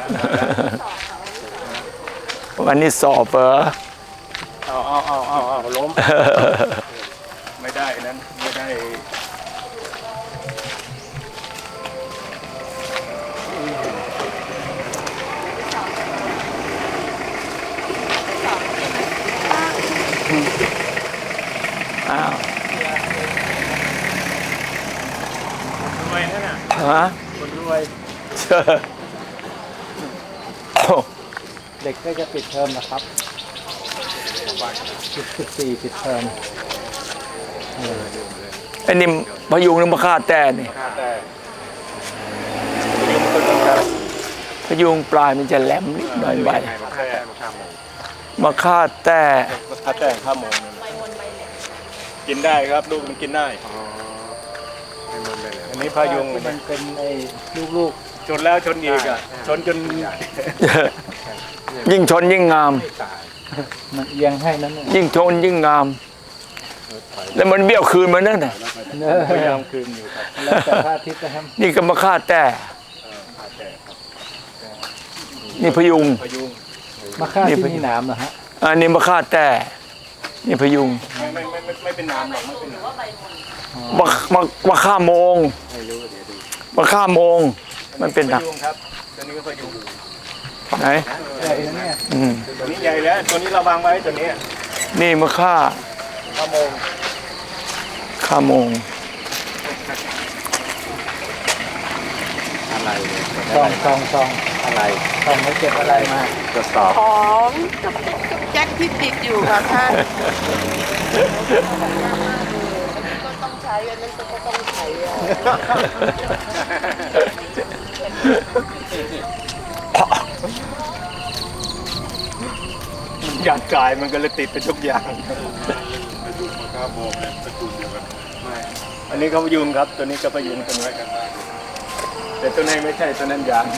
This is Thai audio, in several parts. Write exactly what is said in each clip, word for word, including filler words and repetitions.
วันนี้สอบเหรอเอาเอาเอาเอาเอาล้มไม่ได้นั้นไม่ได้อ้าวรวยนั่นน่ะฮะคนรวยเด็กก็จะปิดเทอมนะครับสิบสิบสี่ปิดเทอมไอ้นี่พยุงนึกมาฆ่าแต่นี่พยุงปลายมันจะแหลมนิดหน่อยใบมาฆ่าแต่มาฆ่าแต่ข้าวหมูกินได้ครับลูกมันกินได้อันนี้พายุงมันเป็นไอ้ลูกๆชนแล้วชนอีกอ่ะชนจนยิ่งชนยิ่งงามมันเอียงให้นั้นยิ่งชนยิ่งงามแล้วมันเบี้ยวคืนมานั่นน่ะพยายามคืนอยู่ครับแล้วแต่พระอาทิตย์นะครับนี่ก็มาฆ่าแต่นี่พยุงมาฆ่าที่นี่หนามเหรอฮะอันนี้มาฆ่าแต่นี่พยุงไม่ไม่ไม่ไม่เป็นน้ำหรอกไม่เป็นน้ำมามามาฆ่าโมงมาฆ่าโมงมันเป็นหนักครับตัวนี้ก็พยุงไหนใหญ่เนี่ยตัวนี้ใหญ่แล้วตัวนี้เราวางไว้ตัวนี้นี่มาฆ่าฆ่าโมงฆ่าโมงอะไรซองซองซองอะไรซองไม่เก็บอะไรมาตรวจสอบของกับแจ็คที่ติดอยู่ค่ะท่านก็ต้องใช้อันนั้นก็ต้องใช้หยาดกายมันก็เลยติดเป็นทุกอย่างอันนี้เขาพยุงครับตัวนี้ก็พยุงตัวนี้แต่ตัวนี้ไม่ใช่ตัวนั้นยาง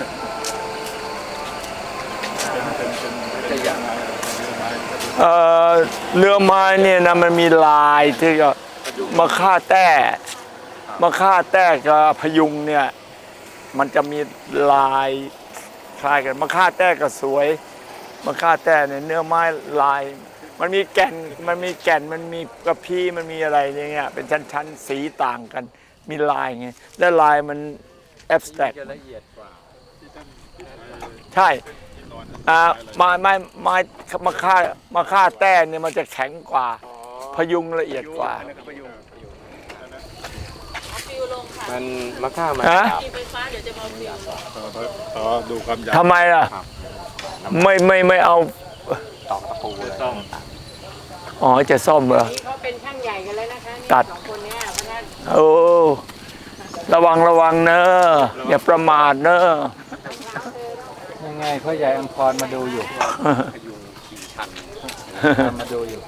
เอ่อเรือไม้เนี่ยนะมันมีลายที่ก็มาฆ่าแต่มาฆ่าแต่กับพยุงเนี่ยมันจะมีลายคล้ายกันมาฆ่าแต่ก็สวยมาฆ่าแต่เนี่ยเนื้อไม้ลายมันมีแก่นมันมีแก่นมันมีกระพี้มันมีอะไรอย่างเงี้ยเป็นชั้นๆสีต่างกันมีลายไงและลายมันแอบสแตรกใช่อ่าไม้ไม้ไม้มาฆ่ามาฆ่าแต่เนี่ยมันจะแข็งกว่าพยุงละเอียดกว่ามันมาฆ่ามาไฟฟ้าเดี๋ยวจะมาฟิวอ๋อดูความยาวทำไมล่ะไม่ไม่ไม่เอาตอกตะปูซ่อมอ๋อจะซ่อมเหรอเขาเป็นช่างใหญ่กันแล้วนะคะตัดคนนี้เพราะนั้นโอ้ระวังระวังเนอะอย่าประมาทเนอะยังไงพ่อใหญ่อัมพรมาดูอยู่มาดูอยู่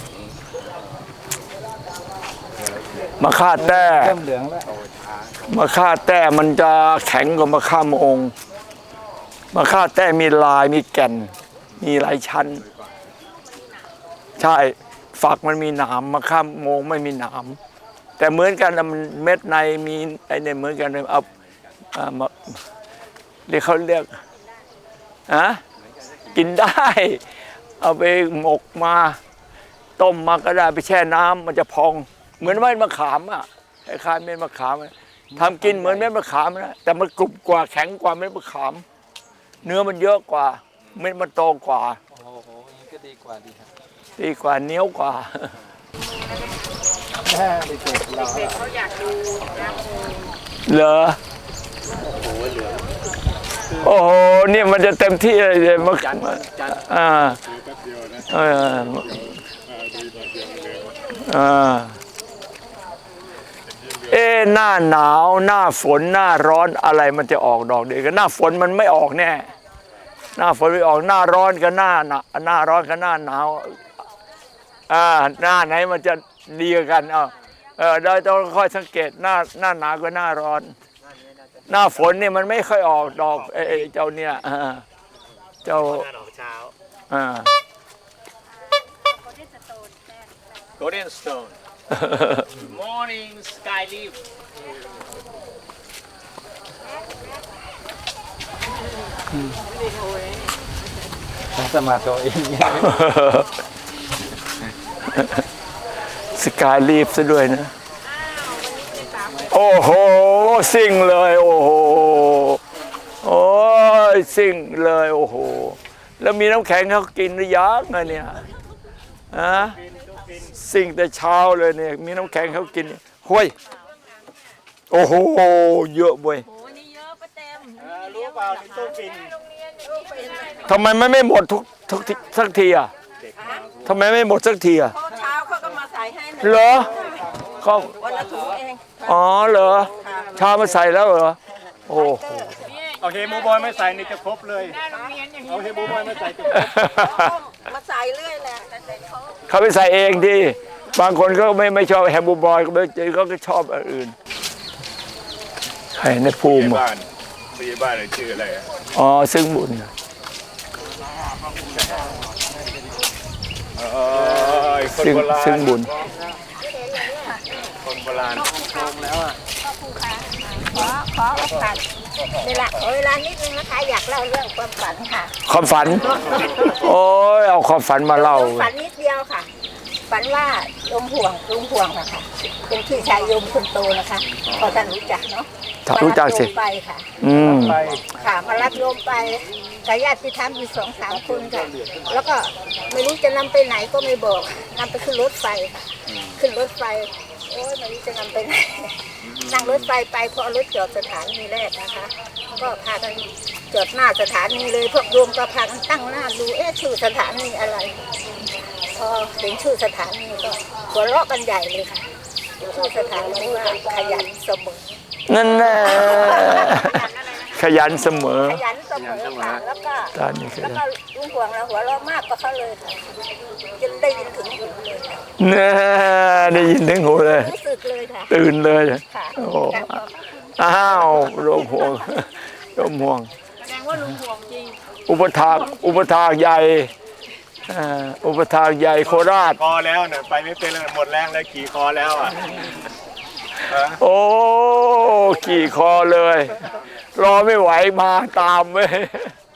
มาฆ่าแต่เริ่มเหลืองแล้วมาฆ่าแต่มันจะแข็งกว่ามาฆ่าโมงมาฆ่าแต่มีลายมีแก่นมีหลายชั้นใช่ฝักมันมีหนามมาฆ่าโมงไม่มีหนามแต่เหมือนกันมันเม็ดในมีไอ้เนี่ยเหมือนกันเอามาเรียกเขาเรียกอะกินได้เอาไปหมกมาต้มมาก็ได้ไปแช่น้ำมันจะพองเหมือนเม็ดมะขามอ่ะคล้ายๆเม็ดมะขามทำกินเหมือนเม็ดมะขามนะแต่มันกรุบกว่าแข็งกว่าเม็ดมะขามเนื้อมันเยอะกว่าเม็ดมันโตกว่าโอ้โหนี่ก็ดีกว่าดีครับดีกว่าเนี้ยวกว่าแม่เด็กๆเราเด็กเขาอยากดูนะเหรอโอ้โหเนี่ยมันจะเต็มที่เลยมันอ่าเอออ่าเอ๊หน้าหนาวหน้าฝนหน้าร้อนอะไรมันจะออกดอกเดียวกันหน้าฝนมันไม่ออกแน่หน้าฝนไม่ออกหน้าร้อนกับหน้าหนาหน้าร้อนกับหน้าหนาวอ่าหน้าไหนมันจะดีกันเอาเออเราต้องค่อยสังเกตหน้าหน้าหนาวกับหน้าร้อนหน้าฝนเนี่ยมันไม่ค่อยออกดอกไอ้เจ้าเนี่ยเจ้าอ่า Golden Stone Morning Sky Leaf สมาธิเองสกายลีฟซะด้วยนะ โอ้โหซิ่งเลยโอ้โหโอ้ยซิ่งเลยโอ้โหแล้วมีน้ำแข็งเขากินหรือยังไงเนี่ยฮะซิ่งแต่เช้าเลยเนี่ยมีน้ำแข็งเขากินห้วยโอ้โหเยอะเว้ยโอ้นี่เยอะป้าเต็มรู้เปล่าในตู้ฟินทำไมมันไม่หมดทุกทุกทีสักทีอ่ะทำไมไม่หมดสักทีอ่ะพอเช้าเขาก็มาใส่ให้หนึ่งเหรอเขาวันละถุงเองอ๋อเหรอชามาใส่แล้วเหรอโอ้โหเอาเฮมูบอยไม่ใส่นี่จะครบเลยเอาเฮมูบอยไม่ใส่จะครบมาใส่เรื่อยแหละแต่เขาเขาไปใส่เองที่บางคนก็ไม่ไม่ชอบแฮมบูบอยก็ไม่เขาก็ชอบอันอื่นใครในภูมิบ้านปีบ้านชื่ออะไรอ๋อซึ่งบุญเออคนซึ่งโบราณซึ่งบุญคนโบราณขอขอโอกาสเวลาขอเวลานิดนึงนะคะอยากเล่าเรื่องความฝันค่ะความฝัน โอ้ยเอาความฝันมาเล่าฝันนิดเดียวค่ะ ฝันว่าลมห่วงลุงห่วงอะค่ะ เป็นพี่ชายโยมคนโตนะคะพอท่านรู้จักเนาะรู้จักสิมาบโยมไปค่ะอืมไปค่ะมารับโยมไปกับญาติธรรมอยู่สองสามคนค่ะแล้วก็ไม่รู้จะนำไปไหนก็ไม่บอกนำไปขึ้นรถไฟค่ะขึ้นรถไฟโอ้ยไม่รู้จะนำไปไหนนั่งรถไฟไปพอรถจอดสถานีแรกนะคะ ก็พากันจอดหน้าสถานีเลยพวกโยมก็พากันตั้งหน้าดูเอ๊ะชื่อสถานีอะไร พอถึงชื่อสถานีก็หัวเราะกันใหญ่เลยค่ะชื่อสถานีว่าขยันเสมอนั่นแน่ขยันเสมอขยันเสมอค่ะแล้วก็ตอนนี้ขแล้วยันก็ลุงห่วงเราหัวเราะมากกว่าเขาเลยค่ะจนได้ยินถึงหูเลยค่ะแน่ได้ยินถึงหูเลยรู้สึกเลยค่ะตื่นเลยค่ะโอ้อ้าวรวมห่วงรวมห่วงแสดงว่าลุงห่วงจริงอุปถากอุปถากใหญ่อ่าอุปถากใหญ่โคราชคอแล้วเนี่ยไปไม่เป็นเลยหมดแรงแล้วขี่คอแล้วอ่ะโอ้ขี่คอเลย รอไม่ไหวมาตามเว้ย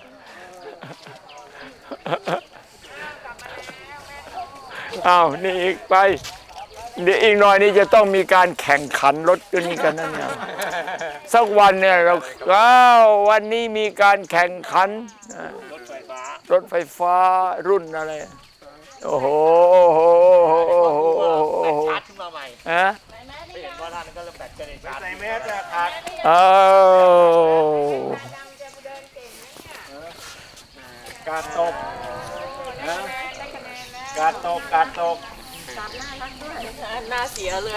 อ้าวนี่อีกไป เดี๋ยวอีกหน่อยนี่จะต้องมีการแข่งขันรถตัวนี้กันนั่นเนี่ยสักวันเนี่ยเราอ้าววันนี้มีการแข่งขันอ่ารถไฟฟ้ารถไฟฟ้ารุ่นอะไรโอ้โหโอ้โหโอ้โหโอ้โหโอ้โหชาร์จขึ้นมาใหม่ฮะไม่เห็นว่าท่านก็เริ่มแบตจะได้ชาร์จใส่แมสจะขาดเอาการตกนะการตกการตกหน้าเสียเลย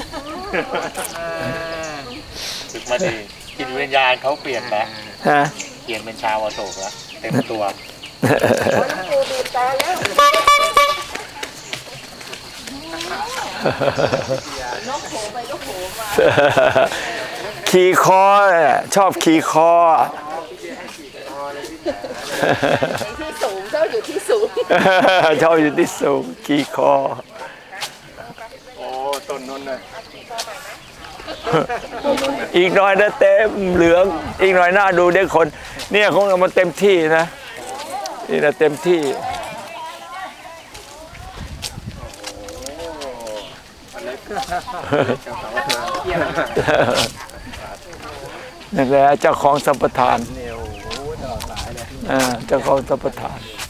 ฝึกมาดีจิตวิญญาณเขาเปลี่ยนแล้วฮะเปลี่ยนเป็นชาวอโศกแล้วเต็มตัวครูบีบแต่แล้วขี่คอเนี่ยชอบขี่คอที่สูงเจ้าอยู่ที่สูงชอบอยู่ที่สูงขี่คอโอ้ต้นนนท์น่ะอีกหน่อยนะเต็มเหลือง อีกหน่อยหน้าดูเด็กคน เนี่ยคงเอามาเต็มที่นะนี่นะเต็มที่นั่นแหละเจ้าของสัมปทานอ่าเจ้าของสัมปทาน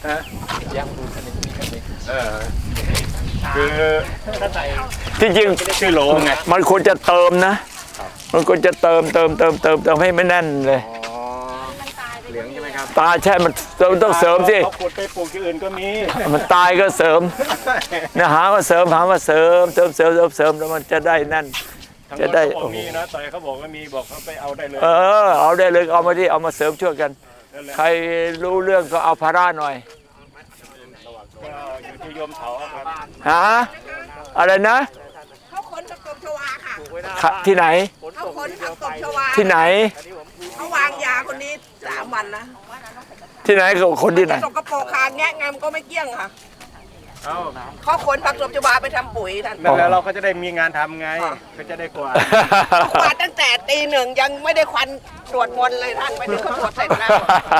เออคือที่จริงชื่อโหลไงมันควรจะเติมนะ มันควรจะเติมเติมเติมเติมเติมให้ไม่แน่นเลยอ๋อเหลืองใช่ไหมครับตาใช่มันต้องเสริมสิเขาขุดไปปลูกที่อื่นก็มีมันตายก็เสริมนะหามาเสริมหามาเสริมเสริมเสริมเสริมเสริมแล้วมันจะได้นั่นทั้งจะหมดได้เขาบอโอ้กโหมีนะต่อยเขาบอกว่ามีบอกเขาไปเอาได้เลยเออเอาได้เลยเอามาที่เอามาเสริมช่วยกันนั่นแหละใครรู้เรื่องก็เอาภาระหน่อยก็อยู่ที่โยมเถาครับหาอะไรนะเขาขนผักตบชวาค่ะขะที่ไหนเขาขนผักตบชวาที่ไหนเขาวางยาคนนี้สามวันนะที่ไหนกับคนที่ไหนสกปรกคางแงะงามก็ไม่เกี้ยงค่ะเอ้าเขาขนผักตบชวาไปทำปุ๋ยท่านนั่นแหละเราก็จะได้มีงานทำไงก็จะได้กวาดกวาดตั้งแต่ตีหนึ่งยังไม่ได้ควันสวดมนต์เลยท่านไปถึงเขาสวดเสร็จแล้ว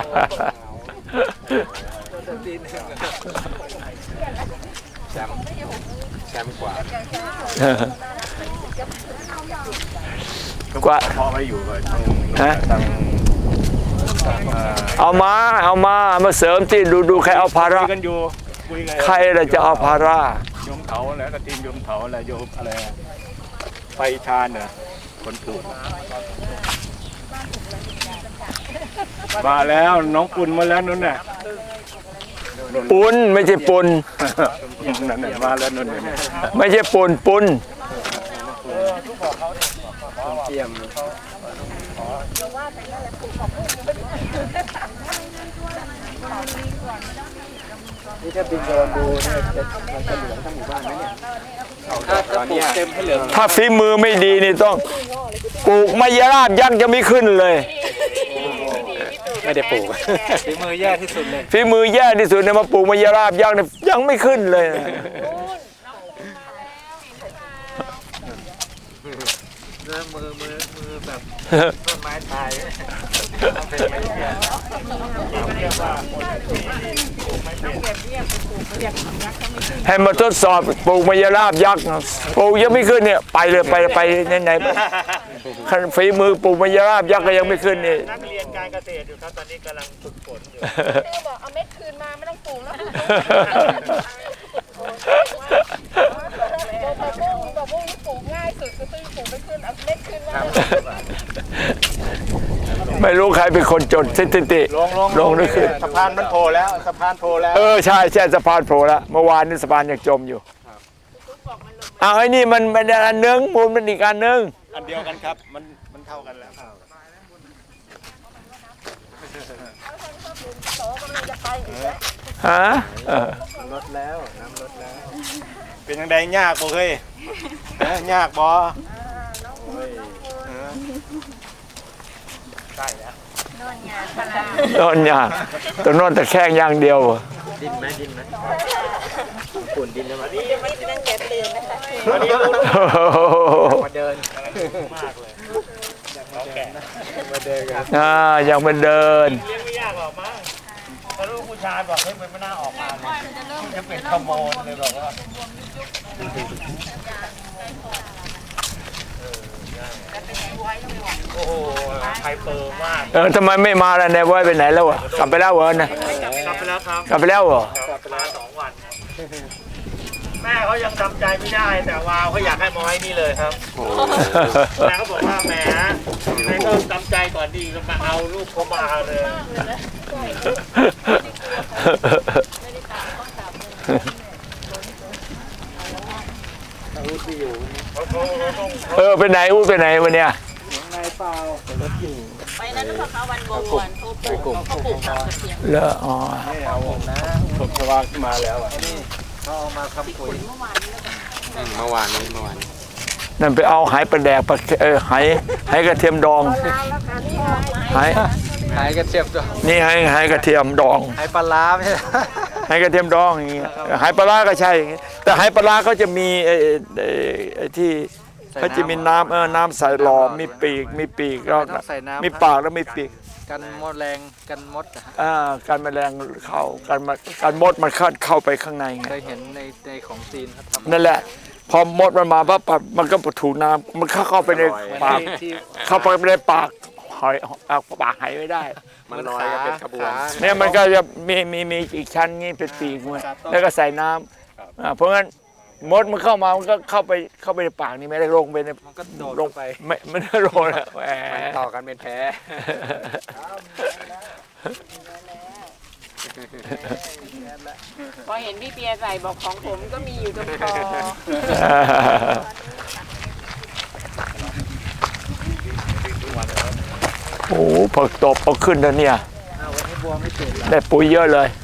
กว่าพอไปอยู่กับทางฮะทางเอ่อเอามาเอามามาเสริมที่ดูดูใครเอาภาระคุยกันอยู่คุยกันใครล่ะจะเอาภาระโยมเถาแล้วก็ทีมโยมเถาอะไรโยมอะไรไปชาญเหรอคนปลูกมาแล้วน้องปุ่นมาแล้วนู่นน่ะปุนไม่ใช่ปุนนั่นน่ะมาแล้วนู่นน่ะไม่ใช่ปุนปุนเตรียม นี่ถ้าบินโดนดูเนี่ยจะมันจะเหลืองทั้งหมู่บ้านไหมเนี่ยตอนนี้เต็มให้เหลืองถ้าฝีมือไม่ดีนี่ต้องปลูกมะยราบยักษ์จะไม่ขึ้นเลยไม่ได้ปลูกฝีมือแย่ที่สุดเลยฝีมือแย่ที่สุดเนี่ยมาปลูกมะยราบยักษ์เนี่ยยังไม่ขึ้นเลยนะมือมือมือแบบต้นไม้ตายเป็นไม่แย่เรียกว่าคนที่ปลูกไม่เป็นให้มาทดสอบปลูกมะยราบยักษ์นะปลูกยังไม่ขึ้นเนี่ยไปเลยไปไปไหนๆขั้นฝีมือปลูกมะยราบยักษ์ก็ยังไม่ขึ้นนี่นักเรียนการเกษตรอยู่ครับตอนนี้กำลังฝึกฝนอยู่บอกเอาเม็ดคืนมาไม่ต้องปลูกแล้วผักบุ้งผักบุ้งนี่ปลูกง่ายสุดก็คือปลูกไม่ขึ้นเอาเม็ดคืนมาไม่รู้ใครเป็นคนจดสถิติลงลงลงด้วยขึ้นสะพานมันโผล่แล้วสะพานโผล่แล้วเออใช่ใช่สะพานโผล่แล้วเมื่อวานนี้สะพานยังจมอยู่อ้าวไอ้นี่มันมันอันนึงมูลมันอีกอันนึงอันเดียวกันครับมันมันเท่ากันแล้วฮะเออลดแล้วน้ำลดแล้ว เป็นยังไงยากบ่เคยฮะยากบ่โอ้ยฮะโดนยากตัวนอนแต่แข้งอย่างเดียวดินไหมดินไหมฝุ่นดินแล้ววันนี้ยังไม่ได้นั่งแกะตื่นนะคะวันนี้รู้มาเดินมากเลยน้องแก่มาเดินกันอ่ายังมาเดินเลี้ยงไม่ยากหรอกมั้งถ้าลูกผู้ชายบอกเฮ้ยมันไม่น่าออกมาเลยจะเป็นขโมยเลยบอกว่าโอ้โหไฮเปอร์มากเออทำไมไม่มาล่ะนายไว้ไปไหนแล้วอ่ะกลับไปแล้วเหรอนะกลับไปแล้วครับกลับไปแล้วเหรอกลับไปแล้วสองวัน แม่เขายังทำใจไม่ได้ แต่วาวเขาอยากให้มาไว้นี่เลยครับแม่เขาบอกว่าแหมแม่ก็ทำใจก่อนดีก็มาเอาลูกเขามาเลยเออไปไหนอู้ไปไหนวันเนี้ยไปนั้นพอเขาวันโบวันเขาปลูกเขาปลูกผักกระเทียมเลออ๋อไม่เอานะผมสว่างมาแล้วอ่ะนี่เขาเอามาทำปุ๋ยเมื่อวานนี้เมื่อวานนั่นไปเอาหายปลาแดกปลาเออหายหายกระเทียมดองหายหายกระเทียมตัวนี่หายหายกระเทียมดองหายปลาร้าไม่ใช่หายกระเทียมดองอย่างเงี้ยหายปลาร้าก็ใช่อย่างเงี้ยแต่หายปลาร้าเขาจะมีไอ้ไอ้ไอ้ที่เขาจะมีน้ำเออน้ำใส่หลอมมีปีกมีปีกแล้วต้องใส่น้ำมีปากแล้วมีปีกกันมดแรงกันมดอะฮะอ่าการแมลงเข้าการมาการมดมันเข้าเข้าไปข้างในไงเคยเห็นในในของจีนเขาทำนั่นแหละ พอมดมันมาปั๊บปั๊บมันก็ถูน้ำมันเข้าเข้าไปในปากที่เข้าไปในปากหอยเอาปากหายไม่ได้มันลอยเป็นขบวนเนี่ยมันก็จะมีมีมีอีกชั้นงี้เป็นปีกมันแล้วก็ใส่น้ำอ่าเพราะงั้นมดมันเข้ามามันก็เข้าไปเข้าไปในปากนี่ไม่ได้ลงไปในมันก็โดดลลงงไปไม่ไม่ได้ลงนะแหมต่อกันเป็นแพ้พอเห็นพี่เปียใส่บอกของผมก็มีอยู่ตรงคอโอ้โหผักตบเอาขึ้นแล้วเนี่ยได้ปุ๋ยเยอะเลย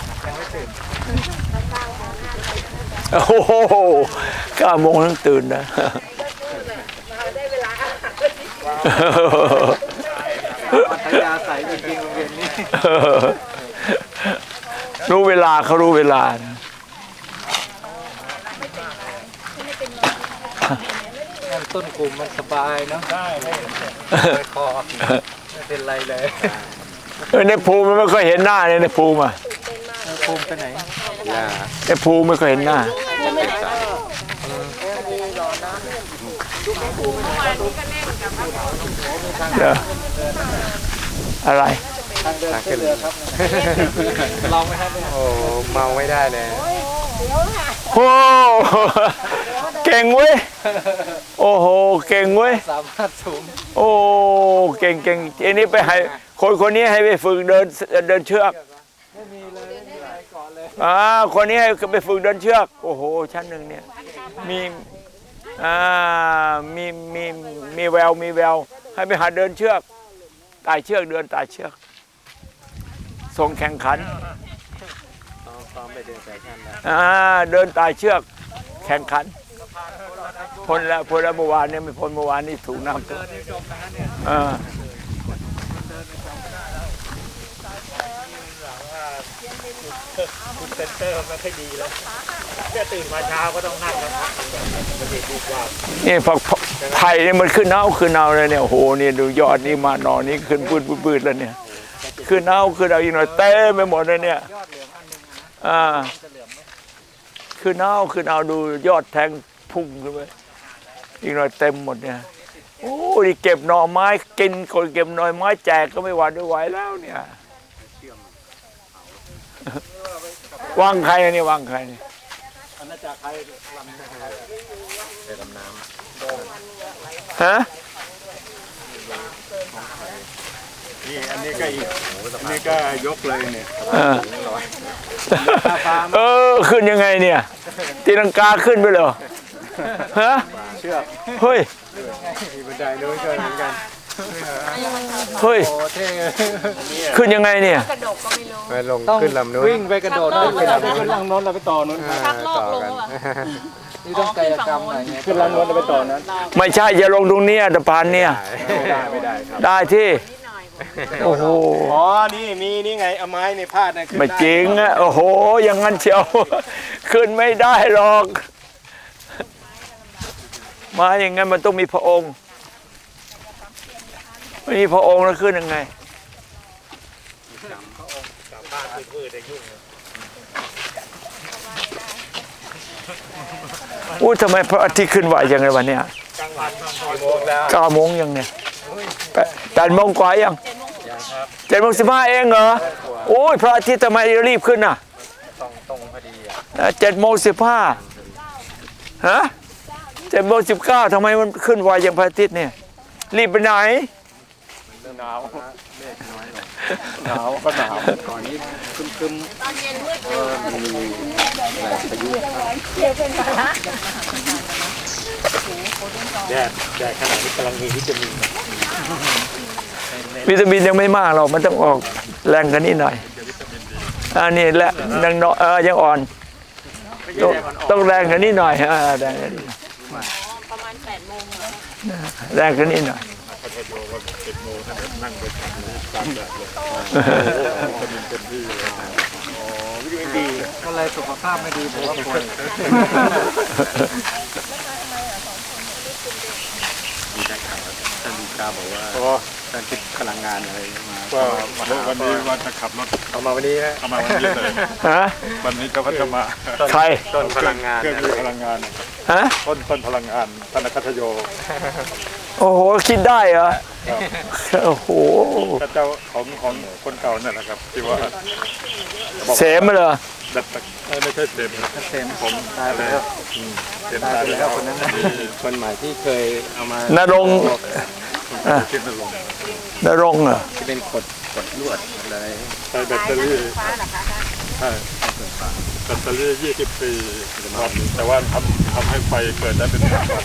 โอ้โหเก้าโมงต้องตื่นนะปัทยาใสจริงๆโรงเรียนนี้รู้เวลาเขารู้เวลานะต้นกลุ่มมันสบายเนาะใช่ให้ไม่คอไม่เป็นไรเลยเออในภูมิมันไม่ค่อยเห็นหน้าเนี่ยในภูมิอ่ะภูมิไปไหนในภูมิไม่ค่อยเห็นหน้าเดี๋ยวอะไรทางขึ้นเรือครับลองไหมครับโอ้เมาไม่ได้เลยโอ้เก่งเว้ยโอ้โหเก่งเว้ยสามารถสูงโอ้เก่งเก่งอันนี้ไปให้คนคนนี้ให้ไปฝึกเดินเดินเชือกไม่มีเลยไม่มีอะไรก่อนเลยอ่าคนนี้ให้ไปฝึกเดินเชือกโอ้โหชั้นหนึ่งเนี่ยมีอ่ามีมีมีแววมีแววให้ไปหาเดินเชือกไต่เชือกเดินไต่เชือกส่งแข่งขันซ้อมไปเดินแฟชั่นแล้วอ่าเดินไต่เชือกแข่งขันพ้นแล้วพ้นแล้วเมื่อวานเนี่ยไม่พ้นเมื่อวานนี่ถูกน้ำท่วมอ่าคุณเซนเตอร์ไม่ค่อยดีแล้วแค่ตื่นมาเช้าก็ต้องนั่งแล้วพักมันดีดีกว่านี่พอไผ่เนี่ยมันขึ้นเน่าขึ้นเน่าเลยเนี่ยโอ้โหนี่ดูยอดนี่มาหนอนี่ขึ้นปืดปืดแล้วเนี่ยขึ้นเน่าขึ้นเอาอีกหน่อยเต้ไปหมดเลยเนี่ยอ่าขึ้นเน่าขึ้นเอาดูยอดแทงพุ่งขึ้นไปอีกหน่อยเต็มหมดเนี่ยโอ้ยเก็บหน่อไม้กินคนเก็บหน่อไม้แจกก็ไม่หวาดไม่ไหวแล้วเนี่ยวางใครอันนี้วางใครนี่อันนั้นจากใครลำไปดำน้ฮะนี่อันนี้ก็อีกอันนี้ก็ยกเลยเนี่ยเออเออขึ้นยังไงเนี่ยตีลังกาขึ้นไปเหรอฮะำเชือกเฮ้ยมีบันไดด้วยช่วยเหมือนกันเฮ้ยโอ้เท่ขึ้นยังไงเนี่ยไปลงขึ้นลำนู้นวิ่งไปกระโดดขึ้นลำนู้นล่างโน้นเราไปต่อนู้นชักลอกลงนี่ต้องกายกรรมหน่อยไงขึ้นล่างโน้นเราไปต่อนั้นไม่ใช่จะลงตรงเนี้ยสะพานเนี่ยไม่ได้ไม่ได้ครับได้ที่โอ้โหอ๋อนี่มีนี่ไงเอาไม้ในพาดนะขึ้นไม่ได้จริงอ่ะโอ้โหอย่างนั้นเชียว ขึ้นไม่ได้หรอก มาอย่างงั้นมันต้องมีพระองค์ไม่มีพระองค์แล้วขึ้นยังไงอู้ทำไมพระอาทิตย์ขึ้นไหวอย่างไรวันเนี้ยกลางวันกี่โมงแล้วเก้าโมงยังเนี่ยแปดแปดโมงกว่ายังเจ็ดโมงสิบห้าเองเหรอโอ้ยพระอาทิตย์ทำไมรีบขึ้นน่ะตรงตรงพอดีอ่ะเจ็ดโมงสิบห้าฮะเจ็ดโมงสิบเก้าทำไมมันขึ้นไวอย่างพระอาทิตย์เนี่ยรีบไปไหนหนาวหนาวก็หนาวก่อนนี้คึมคึมตอนเย็นมืดเออมันมีอะไรประยุกต์เดี๋ยวเป็นภาระแดดแดดขนาดนี้กำลังมีวิตามินวิตามินยังไม่มากหรอกมันต้องออกแรงกันนิดหน่อยอันนี้แหละยังน้อยเออยังอ่อนต้องต้องแรงกันนิดหน่อยอ่าแรงกันนิดหน่อยประมาณแปดโมงแรงกันนิดหน่อยอะไรสุขภาพไม่ดีผมว่าป่วยท่านดีกาบอกว่าโอ้ท่านคิดพลังงานอะไรมาก็วันนี้ว่าจะขับรถเอามาวันนี้นะเข้ามาวันนี้เลยฮะวันนี้ก็พัฒมาใครต้นพลังงานเครื่องมีพลังงานฮะต้นต้นพลังงานธนคัตโยโอ้โหคิดได้เหรอโอ้โหพระเจ้าของของคนเก่านั่นแหละครับที่ว่าเสมเหรอดัดตะเอ้ยไม่ใช่เสมนะเต็มผมตายไปแล้วเสมตายตายไปไปแล้แล้ว วคนนั้นนะคนใหม่ที่เคยเอามานรงค์คิดนั่นลงนรงค์เหรอที่เป็นกดกดลวดอะไรใช้แบตเตอรี่ใช่แบตเตอรี่ยี่สิบปีครับแต่ว่าทำทำให้ไฟเปิดได้เป็นสามวัน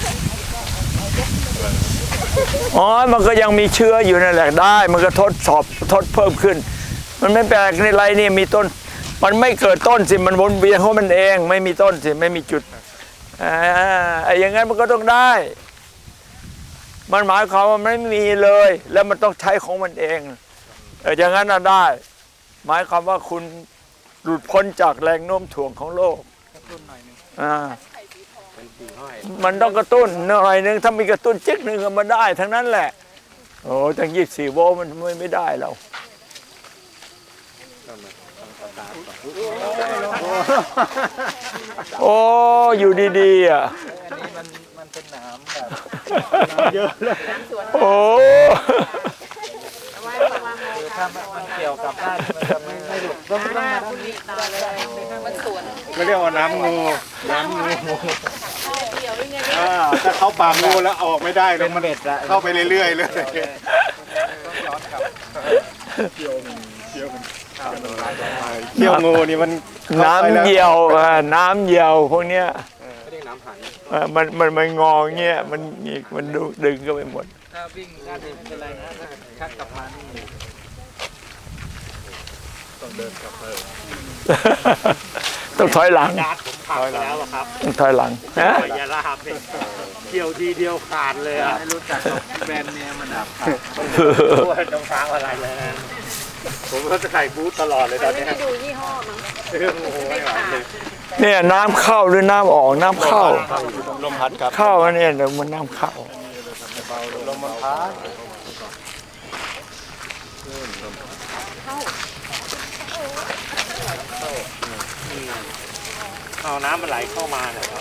อ๋อมันก็ยังมีเชื้ออยู่นั่นแหละได้ มันก็ทดสอบทดเพิ่มขึ้น มันไม่แปลกในไรนี่มีต้น มันไม่เกิดต้นสิมันวนเวียนของมันเอง ไม่มีต้นสิไม่มีจุดอ่าไอ้อย่างงั้นมันก็ต้องได้ มันหมายความว่ามันไม่มีเลย แล้วมันต้องใช้ของมันเองเอออย่างนั้นน่ะได้ หมายความว่าคุณหลุดพ้นจากแรงโน้มถ่วงของโลกอ่ามันต้องกระตุ้นหน่อยนึงถ้ามีกระตุ้นจิ๊กหนึ่งก็มาได้ทั้งนั้นแหละโอ้ตั้งยี่สิบสี่โวลต์มันไม่ไม่ได้แล้วโอ้อยู่ดีๆอ่ะอันนี้มันมันเป็นหนามแบบเยอะเลยโอ้คือถ้ามันมันเกี่ยวกับด้านมันจะไม่ไม่หลุดต้องต้องมาด้านนี้มันสวนไม่เรียกว่าน้ำงูน้ำงูอ่าถ้าเขาปากงูแล้วออกไม่ได้เลเป็ยนมันเบ็ดละเข้าไปเรื่อยๆเลยต้องย้อนกลับเขี้ยวงูนี่มันน้ำเหี่ยวอ่ะน้ำเหี่ยวพวกเนี้ยไม่ได้น้ำหันเอ่อมันมันมันงอเงี้ยมันหงิกมันดึงดึงก็ไปหมดถ้าวิ่งด้านนี้ไม่เป็นไรนะถ้าชักกลับมานี่ต้องถอยหลังญาติผมขับไปแล้วอะครับต้องถอยหลังฮะไปยาลาบเนี่ยเกี่ยวทีเดียวขาดเลยอ่ะไม่รู้จักแบรนด์เนี่ยมันอับตัวรองเท้าอะไรเลยนะผมก็จะใส่บูทตลอดเลยตอนนี้ไม่ดูยี่ห้อมั้งเรื่องโอ้โหไม่ไหวเลยเนี่ยน้ำเข้าหรือน้ำออกน้ำเข้าลมพัดครับเข้าอันเนี่ยเดี๋ยวมันน้ำเข้าลมมันพัดเอาน้ำมันไหลเข้ามาเนี่ยครับ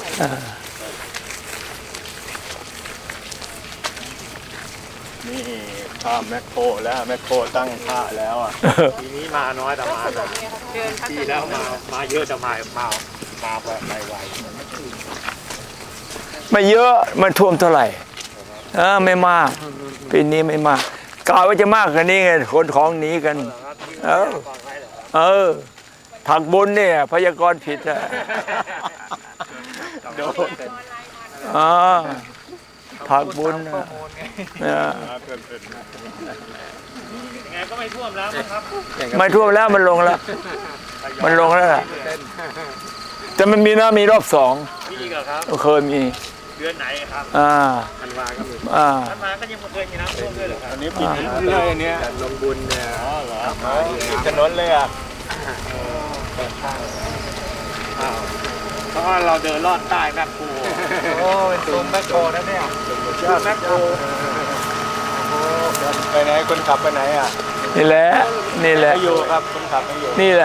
นี่ข้ามแมคโครแล้วแมคโครตั้งท่าแล้วอ่ะทีนี้มาน้อยแต่มาแต่เดินพักทีแล้วมามาเยอะแต่มามามาแบบไวไม่เยอะมันท่วมเท่าไหร่เออไม่มากปีนี้ไม่มากกล่าวว่าจะมากกว่านี้ไงคนของหนีกัน เออ เออผักบุญเนี่ยพยากรณ์ผิดอ่ะโดนอ่าผักบุญน่ะเนี่ยๆยังไงก็ไม่ท่วมแล้วนะครับไม่ท่วมแล้วมันลงแล้ว มันลงแล้วล่ะแต่มันมีนะมีรอบสองมีอีกเหรอครับเคยมีเดือนไหนครับอ่าธันวาก็มีอ่าธันวาก็ยังไม่เคยมีน้ำท่วมด้วยเหรอครับอันนี้ปิดเลยอันเนี้ยลงบุญเนี่ยอ๋อเหรอปิดถนนเลยอ่ะอ้าวเพราะว่าเราเดินลอดใต้แมคโครโอ้เป็นซุ้มแมคโครนะเนี่ยแมคโครไปไหนคนขับไปไหนอ่ะนี่แหละ นี่แหละไม่อยู่ครับคนขับไม่อยู่นี่แหละ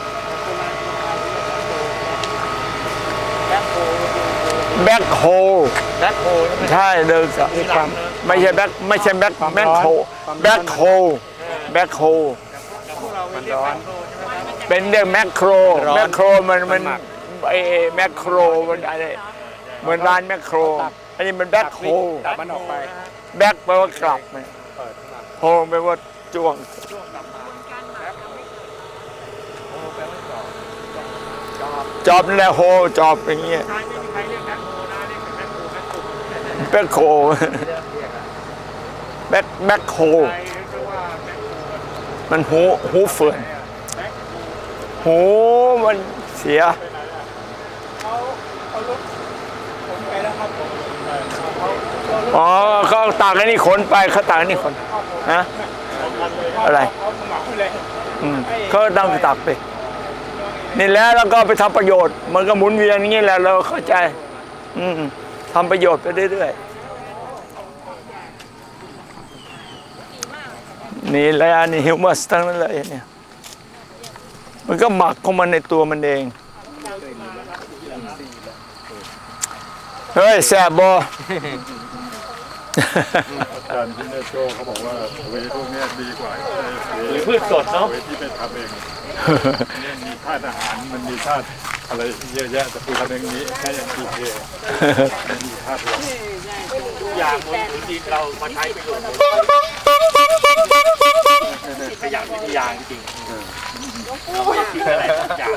แบ็คโฮแมคโครใช่เดินกับไม่ใช่แบ็คไม่ใช่แบ็คแบ็คโฮแบ็คโฮแบ็คโฮมันร้อนเป็นเรื่องแมคโครแมคโครมันมันไอแมคโครมันอะไรเหมือนร้านแมคโครอันนี้มันแบ็คโฮตัดมันออกไปแบ็คแปลว่ากลับไงโฮแปลว่าจ้วงจอบนี่แหละโฮจอบอย่างเงี้ยไม่มีใครเรียกแมคโครนะเรียกแมคโครแมคโครแบ็คโฮแบ็คแบ็คโฮใครเรียกว่าแมคโครมันหูหูเฟื่อนหูมันเสียอ๋อเขาตากไอ้นี่ขนไปเขาตากไอ้นี่ขนนะอะไรอืมเขาตั้งตักไปนี่แล้วแล้วก็ไปทำประโยชน์ มันก็หมุนเวียนอย่างนี้แหละเราเข้าใจ อืมทำประโยชน์ไปเรื่อยๆนี่แหละนี่ฮิวมัสทั้งนั้นเลยเนี่ยมันก็หมักของมันในตัวมันเองเฮ้ยแสบบออาจารย์ที่แม่โจ้เขาบอกว่าเวพวกเนี้ยดีกว่าเวหรือพืชสดเนาะเวที่ไปทำเองเนี่ยมีธาตุอาหารมันมีธาตุอะไรเยอะแยะแต่คือทำเองนี้แค่อย่างทีเคมันมีธาตุหลักทุกอย่างบนพื้นดินเรามาใช้ประโยชน์ขยะวิทยาจริงๆเราไม่ได้ทิ้งอะไรสักอย่าง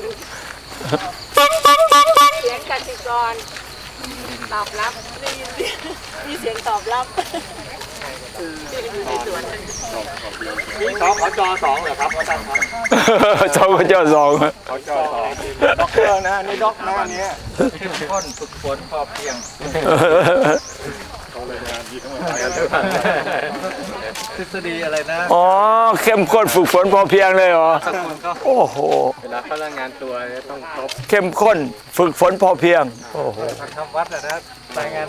เสียงกสิกรตอบรับได้ยินเสียงมีเสียงตอบรับอยู่ในสวนนี่สขจสองเหรอครับอาจารย์ครับเจ้าก็เจ้าสองเขาจอดด็อกเตอร์นะนี่ด็อกหน้าเนี้ยเข้มข้นฝึกฝนพอเพียงเขาเลยงานดีทั้งหมดทฤษฎีอะไรนะอ๋อเข้มข้นฝึกฝนพอเพียงเลยเหรอสักคนก็โอ้โหเวลาเขารายงานตัวต้องครบเข้มข้นฝึกฝนพอเพียงโอ้โหทำวัดนะรายงาน